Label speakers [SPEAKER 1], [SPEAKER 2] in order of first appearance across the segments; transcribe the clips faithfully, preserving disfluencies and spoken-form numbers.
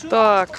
[SPEAKER 1] Так.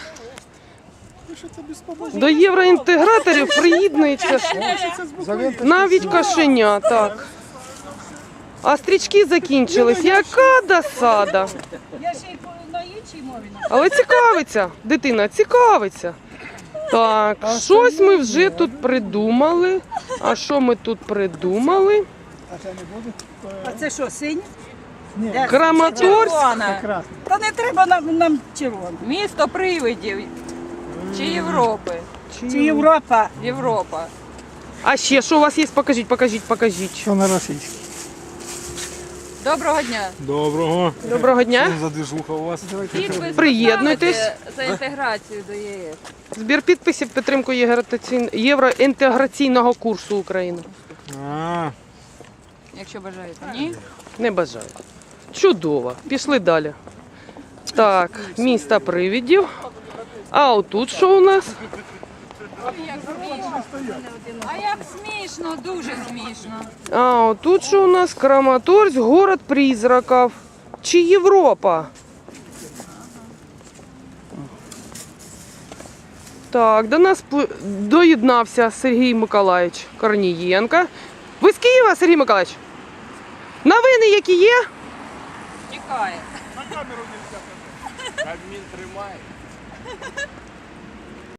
[SPEAKER 1] До євроінтеграторів приєднується навіть кошеня, так. А стрічки закінчились. Яка досада.
[SPEAKER 2] Я ще й на іншій мові.
[SPEAKER 1] Але цікавиться, дитина, цікавиться. Так, щось ми вже тут придумали. А що ми тут придумали?
[SPEAKER 2] А це що, синій?
[SPEAKER 1] Краматорськ.
[SPEAKER 2] Та не треба нам, нам червоно.
[SPEAKER 3] Місто привидів. Чи Європи?
[SPEAKER 2] Чи Європа?
[SPEAKER 3] Європа.
[SPEAKER 1] А ще що у вас є? Покажіть, покажіть, покажіть.
[SPEAKER 4] Що на російській?
[SPEAKER 3] Доброго дня.
[SPEAKER 5] Доброго.
[SPEAKER 1] Доброго дня.
[SPEAKER 5] Що за движуха у вас?
[SPEAKER 3] Підпис
[SPEAKER 1] Приєднуйтесь.
[SPEAKER 3] ставите за інтеграцію до ЄС.
[SPEAKER 1] Збір підписів підтримку євроінтеграційн- євроінтеграційного курсу України.
[SPEAKER 5] А,
[SPEAKER 3] Якщо бажаєте. Ні?
[SPEAKER 1] Не бажаю. Чудово. Пішли далі. Так, місто привидів. А отут що у нас?
[SPEAKER 3] А як смішно, дуже смішно.
[SPEAKER 1] А отут що у нас? Краматорськ, город призраків. Чи Європа? Так, до нас пл- доєднався Сергій Миколаївич Корнієнко. Ви з Києва, Сергій Миколаївич? Новини які є?
[SPEAKER 3] Тікає.
[SPEAKER 5] Адмін тримає.